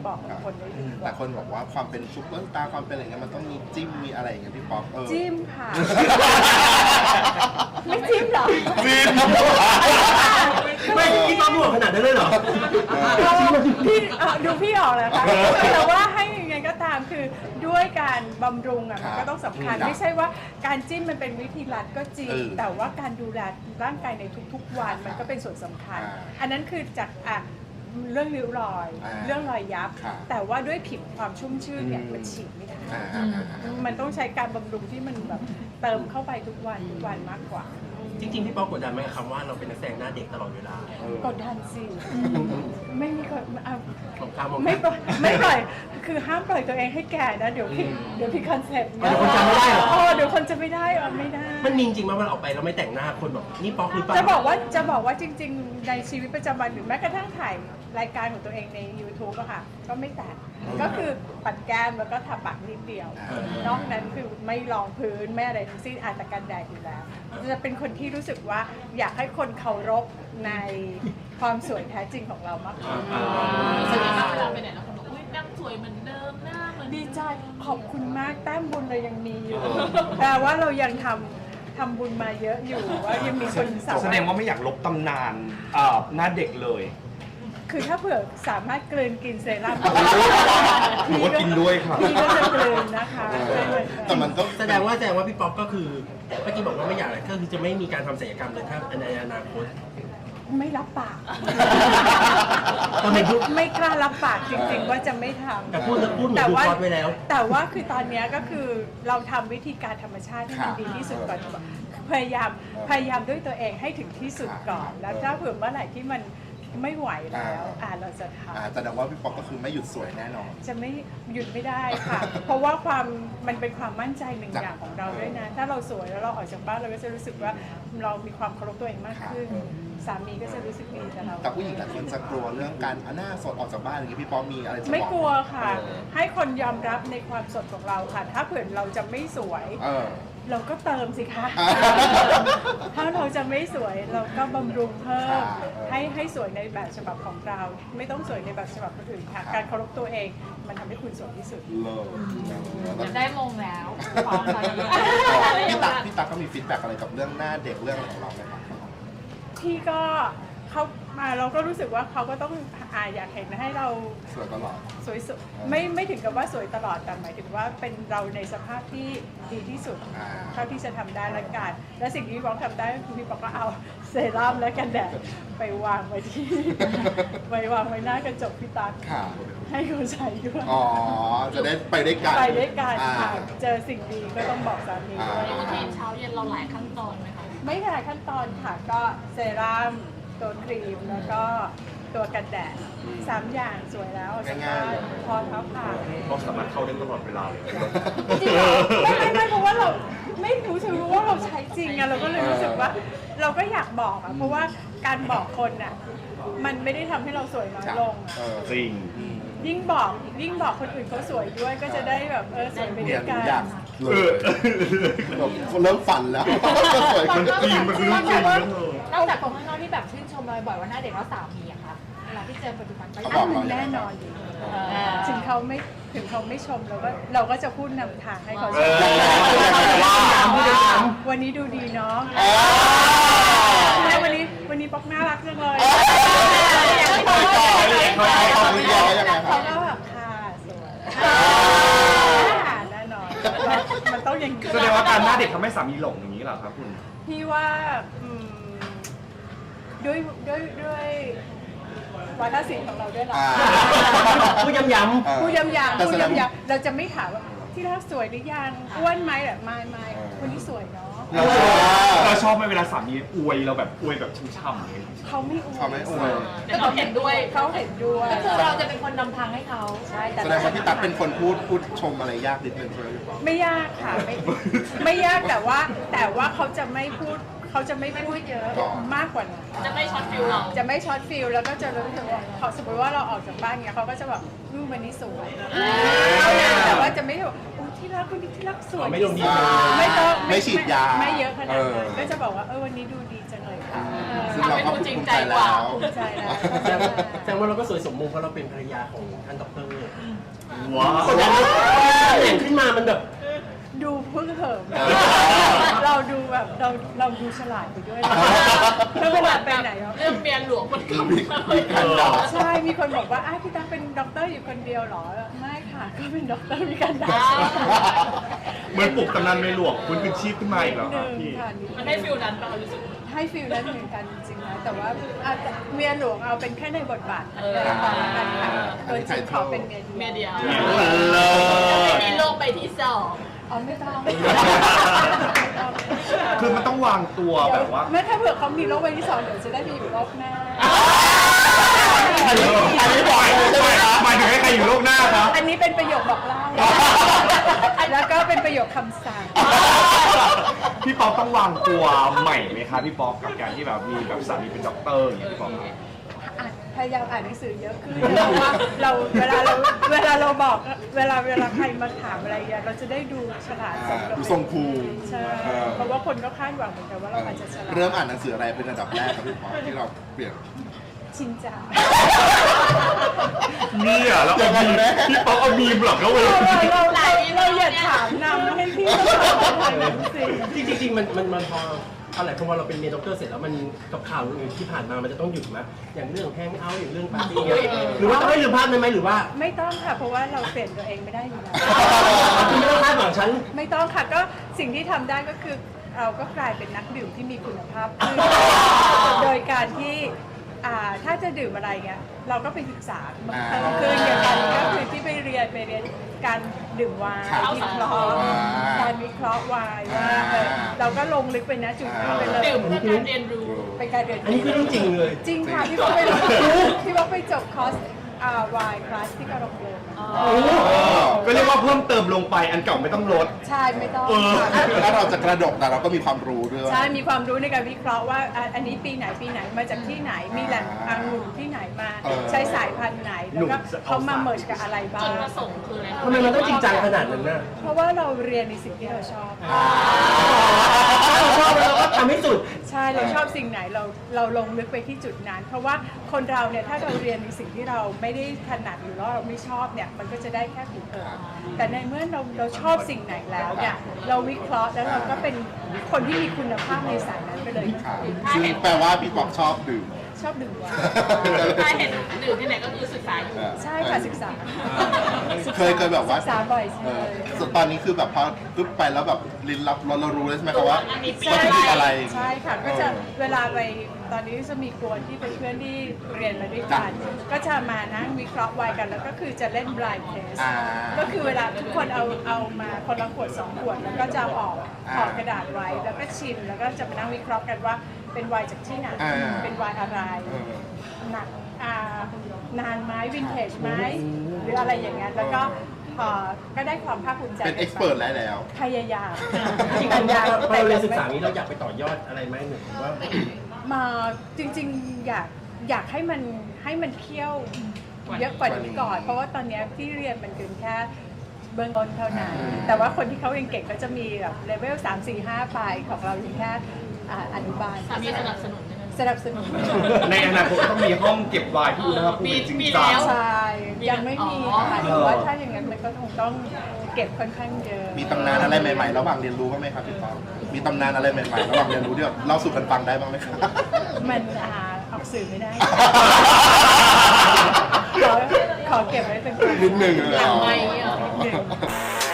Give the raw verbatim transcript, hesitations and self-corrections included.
บอกกับคนได้ดีกแต่ว่าคนบอกว่าความเป็นซุปเปอร์สตาร์ความเป็นอะไรเงี้ยมันต้องมีจิ้มมีอะไรอย่างเงี้ยพี่ป๊อกเออจิ้มค่ะ ไม่จิ้มหรอจิ้มไม่พี่ป๊อกบอกขนาดนั้นเลยเหรอพี่เอ่อดูพี่ออกเลยค่ะแต่ว่าให้ยังไงก็ตามคือด้วยการบำรุงอ่ะมันก็ต้องสำคัญไม่ใช่ว่าการจิ้มมันเป็นวิธีรัดก็จริงแต่ว่าการดูแลร่างกายในทุกๆวันมันก็เป็นส่วนสำคัญ อันนั้นคือจากอ่ะเรื่องริ้วรอย เรื่องรอยยับ แต่ว่าด้วยผิวความชุ่มชื่นเนี่ยมันฉีดไม่ได้มันต้องใช้การบำรุงที่มันแบบเติมเข้าไปทุกวันทุกวันมากกว่าจริงๆพี่ป๊อกกดดันไหมกับคำว่าเราเป็นนักแสดงหน้าเด็กตลอดเวลากดดันสิไม่มีคนเอาของข้ามองไม่ปล่อยไม่ปล่อยคือห้ามปล่อยตัวเองให้แก่นะเดี๋ยวพี่เดี๋ยวพี่คอนเซ็ปต์เดี๋ยวคนจำไม่ได้เหรออ๋อเดี๋ยวคนจะไม่ได้อ่ะไม่ได้มันมีจริงไหมว่าเราออกไปเราไม่แต่งหน้าคนบอกนี่ป๊อกหรือเปล่าจะบอกว่าจะบอกว่าจริง ๆ ในชีวิตประจำวันหรือแม้กระทั่งถ่ายรายการของตัวเองใน ยูทูบ อะค่ะก็ไม่แต่งก็คือปัดแก้มแล้วก็ทาปากนิดเดียวนอกนั้นคือไม่รองพื้นไม่อะไรทั้งสิ้นอาจจะกันแดดอยู่แล้วจะเป็นคนที่รู้สึกว่าอยากให้คนเคารพในความสวยแท้จริงของเรามากกว่าแสดงว่าเวลาไปไหนแล้วคนบอกอุ้ยนั่งสวยเหมือนเดิมหน้าเหมือนดีใจขอบคุณมากแต้มบุญเรายังมีอยู่แต่ว่าเรายังทำทำบุญมาเยอะอยู่ว่ายังมีคนสามารถแสดงว่าไม่อยากลบตำนานเอ่อหน้าเด็กเลยคือถ้าเผื่อสามารถกลืนกินเซรั่มหนูก็กินด้วยครับพี่ก็จะกลืนนะคะแต่มันต้องแสดงว่าแสดงว่าพี่ป๊อกก็คือเมื่อกี้บอกว่าไม่อยากอะไรก็คือจะไม่มีการทำศัลยกรรมเลยถ้าในอนาคตไม่รับปากตอนนี้ไม่ไม่กล้ารับปากจริงๆว่าจะไม่ทำแต่พูดพูดเหมือนแต่ดูว่าคอร์สไว้แล้วแต่ว่าคือตอนเนี้ยก็คือเราทำวิธีการธรรมชาติให้มันดีที่สุดก่อนพยายามพยายามด้วยตัวเองให้ถึงที่สุดก่อน แล้วถ้าเผื่อเมื่อไหร่ที่มันไม่ไหวแล้วอ่าเราจะทอ่าแสดงว่าพี่ป๊อกก็คือไม่หยุดสวยแน่นอนำจะไม่หยุดไม่ได้ค่ะ เพราะว่าความมันเป็นความมั่นใจหนึ่งอย่างของเราด้วยนะ ถ้าเราสวยแล้วเราออกจากบ้านเราก็จะรู้สึกว่าเรามีความเคารพตัวเองมากขึ้น สามีก็จะรู้สึกดีกับเราแต่ผู้หญิงหลายคนจะกลัวเรื่องการเอาหน้าสดออกจากบ้านอย่างนี้พี่ป๊อกมีอะไรจะบอกไม่กลัวค่ะ ให้คนยอมรับในความสดของเราค่ะ ถ้าเผื่อเราจะไม่สวยเออเราก็เติมสิคะอ่าถ้าเราจะไม่สวยเราก็บำรุงเพิ่มค่ะให้ให้สวยในแบบฉบับของเรา ไม่ต้องสวยในแบบฉบับคนอื่นค่ะ การเคารพตัวเองมันทำให้คุณสวยที่สุดเลิศจะได้มงแล้วพร้อมตอนนี้พี่ตั๊กพี่ตั๊กก็มีฟีดแบ็กอะไรกับเรื่องหน้าเด็กเรื่องอะไรของเราไหมครับที่ก็เขามาเราก็รู้สึกว่าเขาก็ต้องอาอยากเห็นให้เราสวยตลอดสวยสุดไม่ไม่ถึงกับว่าสวยตลอดแต่หมายถึงว่าเป็นเราในสภาพที่ดีที่สุดอ่าเท่าที่จะทำได้ละกันและสิ่งที่พี่บอกทำได้คือพี่บอกก็เอาเซรั่มและกันแดดไปวางไว้ที่ ไปวางไว้หน้ากระจกพี่ตั๊กค่ะให้เขาใช้ด้วยอ๋อ จะได้ไปด้วยกันไปด้วยกันอ่าค่ะเจอสิ่งดีก็ต้องบอกสามีด้วยรูทีนเช้าเย็นเราหลายขั้นตอนไหมคะไม่หลายขั้นตอนค่ะก็เซรั่มตัวครีมแล้วก็ตัวกันแดดสามอย่างสวยแล้วจากบ้านพอเท้าผ่าเราสามารถเข้าได้ตลอดเวลาเลยจริงเหรอไม่ไม่ไม่เพราะว่าเราไม่รู้สึกว่าเราใช้จริงอะเราก็เลยรู้สึกว่า เราก็อยากบอกอะเพราะว่าการบอกคนอะมันไม่ได้ทำให้เราสวยน้อยลงอะเออจริงยิ่งบอกยิ่งบอกคนอื่นเขาสวยด้วยก็จะได้แบบเออสวยไปด้เนี่วย ยหนูกันอยากเลยแบบเริ่มฝันแล้วสวยขึ้นจริงมันคือเรื่องจริงนะนอกจากคนข้างนอกที่แบบชื่นชมเราบ่อยว่าหน้าเด็กแล้วสามีอะคะเวลาที่เจอปัจจุบันก็เขายับอกงมันแน่นอนอยู่ถึงเขาไม่ถึงเขาไม่ชมเราก็เราก็จะพูดนำทางให้เขาชม วันนี้ดูดีเนาะแม่วันนี้วันนี้ป๊อกน่ารักจังเลยเขาก็แบบค่ะสวยแน่นอนมันต้องอย่างนี้แสดงว่าการหน้าเด็กทำให้สามีหลงอย่างนี้เหรอครับคุณพี่ว่าอืมด้วยด้วยด้วยวัฒนศิลป์ของเราด้วยหรออ่าพูดย้ำเออพูดย้ำๆแต่พูแสดดงย้ำๆเราจะไม่ถามว่าที่รักสวยหรือยังอ้วนไหมแบบไม่ไม่คนนี้สวยเนาะเราเราชอบไหมเวลาสามีอวยเราแบบอวยแบบช่ำๆเลยเขาไม่อวยเขาไม่อวยแต่เขาเห็นด้วยเขาเห็นด้วยก็คือเราจะเป็นคนนำทางให้เขาใช่แต่แสดงว่าพี่ตั๊กเป็นคนพูดพูดชมอะไรยากนิดนึงใช่ไหมพี่ป๊อกไม่ยากค่ะไม่ไม่ยากแต่ว่าแต่ว่าเขาจะไม่พูดเขาจะไม่พูดเยอะมากกว่านั้นจะไม่ช็อตฟิลเราจะไม่ช็อตฟิลแล้วก็จะรู้สึกว่าเขาสมมติว่าเราออกจากบ้านเนี้ยเขาก็จะแบบอืมวันนี้สวยเท่านั้นแต่ว่าจะไม่แบบโอ้ที่รักวันนี้ที่รักสวยไม่ลงดีอ่าไม่ต้องไม่ฉีดยาไม่เยอะขนาดนั้นเออก็จะบอกว่าเออวันนี้ดูดีจังเลยค่ะซึ่งเราก็ภูมิใจแล้วภูมิใจแล้วแสดงว่าแสดงว่าเราก็สวยสมมุติเพราะเราเป็นภรรยาของท่านด็อกเตอร์ว้าวกดดันไหมเห็นขึ้นมามันแบบดูเพิ่งเหิมเราดูแบบเราเราดูฉลาดไปด้วยแล้วเวลาไปไหนเนาะเรื่องเมียหลวงมันมีมีการด่าใช่มีคนบอกว่าอ้าวพี่ตั๊กเป็นด็อกเตอร์อยู่คนเดียวเหรอไม่ค่ะก็เป็นด็อกเตอร์มีการด่าเหมือนปลุกตำนานในหลวงคุณคืนชีพขึ้นมาอีกแล้วหครับนึ่งพี่ค่ะมันได้ฟิลนั้นป่ะรู้สึกให้ฟิลนั้นเหมือนกันจริงๆนะแต่ว่าอาจจะเมียหลวงเอาเป็นแค่ในบทบาทเออละครละกันค่ะตัวจริงขอเป็นเมียเมียเดีเดียยว วเลิศมีโลกไปที่สองอ๋อไม่ต้องคือมันต้องวางตัวแบบว่าแม้ถ้าเผื่อเขามีโรคใบที่สองเดี๋ยวจะได้มีอยู่รอบหน้าอันนี้อันนี้บ่อยเลยใช่ไหมครับหมายถึงให้ใครอยู่โลกหน้าครับอันนี้เป็นประโยคบอกเล่า แล้วก็เป็นประโยคคำสั่งพี่ป๊อกต้องวางตัวใหม่ไหมคะพี่ป๊อกกับการที่แบบมีแบบสามีเป็นด็อกเตอร์อย่างเงี้ยพี่ป๊อกอ่านพยายามอ่านหนังสือเยอะขึ้นเพราะว่าเราเวลาเราเวลาเราบอกเวลาเวลาใครมาถามอะไรอย่างเงี้ยเราจะได้ดูฉลาดสมกับดูทรงภูมิใช่เพราะว่าคนก็คาดหวังเหมือนกันว่าเราอาจจะฉลาดเริ่มอ่านหนังสืออะไรเป็นอันดับแรกครับพี่ปอที่เราเปลี่ยนชินจังนี่อ่ะแล้วเอามีมพี่ป๊อกเอามีมเหรอเขาเลยเราเราเราเราอย่าถามนำให้พี่เขาถามหนังสือจริงๆจริงๆมันมันมันพออะไรเพราะว่าเราเป็นเมียด็อกเตอร์เสร็จแล้วมันกับข่าวอื่นที่ผ่านมามันจะต้องหยุดไหมอย่างเรื่องแฮงเอาท์อย่างเรื่องปาร์ตี้เนี่ยหรือว่าต้องให้ลืมภาพได้ไหมหรือว่าไม่ต้องค่ะเพราะว่าเราเปลี่ยนตัวเองไม่ได้อยู่แล้วคุณไม่ต้องคาดหวังฉันไม่ต้องค่ะก็สิ่งที่ทำได้ก็คือเราก็กลายเป็นนักดื่มที่มีคุณภาพขึ้นโดยการที่อ่าถ้าจะดื่มอะไรเงี้ยเราก็ไปศึกษาเพิ่มขึ้นอย่างกันก็คือที่ไปเรียนไปเรียนการดื่มไวน์วิเคราะห์การวิเคราะห์ไวน์ว่าเออเราก็ลงลึกไปนะจุดนั้นไปเลยดื่มเพื่อการเรียนรู้เป็นการเรียนอันนี้คือเรื่องจริงเลยจริงค่ะพี่บอกไปพี่บอกไปจบคอร์สอ่าวายคลาสที่กระโรงเรียนก็เรียกว่าเพิ่มเติมลงไปอันเก่าไม่ต้องลดใช่ไม่ต้องเออค่ะแล้วเราจะกระดกแต่เราก็มีความรู้ด้วยใช่มีความรู้ในการวิเคราะห์ว่าอ่ะอันนี้ปีไหนปีไหนมาจากที่ไหนมีแหล่งองุ่นที่ไหนมาเออใช้สายพันธุ์ไหนแล้วก็เขามาเมิร์จกับอะไรบ้าจุดงประสงค์คืออะไรทำไมมันต้องจริงจังขนาดนั้นน่ะเพราะว่าเราเรียนในสิ่งที่เราชอบถ้าเราชอบแล้วเราก็ทำให้สุดใช่เราชอบสิ่งไหนเราเราลงลึกไปที่จุดนั้น เพราะว่าคนเราเนี่ยถ้าเราเรียนในสิ่งที่เราไม่ได้ถนัดหรือว่าเราไม่ชอบเนี่ยมันก็จะได้แค่ผิวเผินแต่ในเมื่อเราเราชอบสิ่งไหนแล้วเนี่ยเราวิเคราะห์แล้วเราก็เป็นคนที่มีคุณภาพในสายนั้นไปเลยค่ะซึ่งแปลว่าพี่ปอกชอบดื่มชอบดื่มไวน์ถ้าเห็นดื่มที่ไหนก็คือศึกษาอยู่ใช่ค่ะศึกษาเคยเคยแบบว่าศึกษาบ่อยเอใช่อส่วนตอนนี้คือแบบพอปึ๊บไปแล้วแบบลิ้นรับเราเรารู้เลยใช่ไหมครับว่าอันนี้วัตถุดิบอะไรใช่ค่ะก็จะเวลาไปตอนนี้จะมีกวนที่เป็นเพื่อนที่เรียนมาด้วยกันก็จะมานั่งวิเคราะห์ไวน์กันแล้วก็คือจะเล่น blind test อ่าก็คือเวลาทุกคนเอาเอามาคนละขวดสองขวดแล้วก็จะเอาออกอ่าออกกระดาษไว้แล้วก็ชิมแล้วก็จะมานั่งวิเคราะห์กันว่าเป็นไวน์จากที่ไหนอ่าเป็นไวน์อะไรเออหนักอ่านานไหมวินเทจไหมหรืออะไรอย่างเงี้ยแล้วก็เอ่อก็ได้ความภาคภูมิใจเป็นเอ็กซ์เพิร์แล้วแล้วพยายามจริงพยายามๆพอเราเรียนศึกษานี้เราอยากไปต่อยอดอะไรไหมหรือว่ามาจริงๆอยากอยากให้มันให้มันเคี่ยวเยอะกว่านี้ก่อน เพราะว่าตอนเนี้ยที่เรียนมันเป็นแค่เบื้องต้นเท่านั้น แต่ว่าคนที่เขาเก่งๆก็จะมีแบบเลเวลสามสี่ห้าไปของเราอยู่แค่อ่าอนุบาลสามีสนับสนุนใช่ไหมสนับสนุนในอนาคตต้องมีห้องเก็บไวน์ที่อุณหภูมิจริงมีจัแล้งวใช่ยังไม่มีอ๋อค่ะแต่ว่าถ้าอย่างนั้นมันก็คงต้องเก็บค่อนข้างเยอะมีตำนานอะไรใหม่ๆ ระหว่างเรียนรู้บ้างไหมครับพี่ปอกมีตำนานอะไรใหม่ๆ ระหว่างเรียนรู้ที่แบบเล่าสู่กันฟังได้บ้างไหมครับมันอ่าออกสื่อไม่ได้ ขอขอเก็บไว้เป็นความลับนิดหนึ่งเลยเหรอหลังไมค์เหรอนิดหนึ่ง